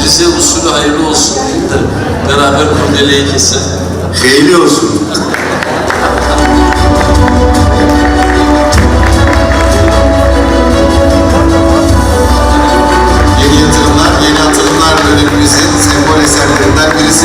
Rize usulü hayırlı olsun deyip de beraber kurdeleyi kesin. Hayırlı olsun. Yeni yatırımlar, yeni atılımlar dönemimizin sembol eserlerinden birisi.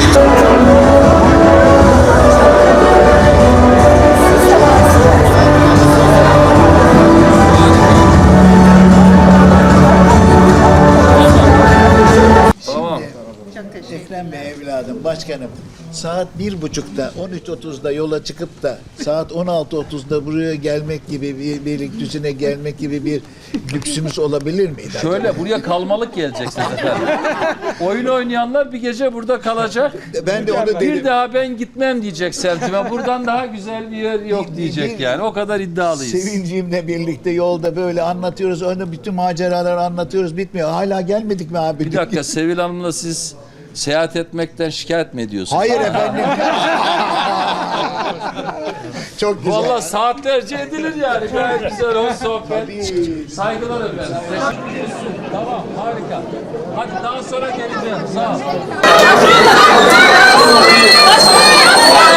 Ekrem Bey evladım, başkanım, saat 1.30'da, 13.30'da yola çıkıp da saat 16.30'da buraya gelmek gibi bir Beylikdüzü'ne gelmek gibi bir lüksümüz olabilir miydi? Şöyle acaba? buraya kalmalık geleceksiniz efendim. Oyun oynayanlar bir gece burada kalacak. Ben de onu dedim. Bir daha ben gitmem diyecek Selçuk'a. Buradan daha güzel bir yer yok diyecek yani. O kadar iddialıyız. Sevincimle birlikte yolda böyle anlatıyoruz, onu bütün maceraları anlatıyoruz, bitmiyor. Hala gelmedik mi abi? Bir dakika, Sevil Hanım'la siz seyahat etmekten şikayet mi ediyorsunuz? Hayır efendim. Çok güzel. Vallahi saatlerce edilir yani. Gayet güzel, hoş sohbet. Saygılar efendim. Tamam, harika. Hadi daha sonra geleceğim. Sağ ol.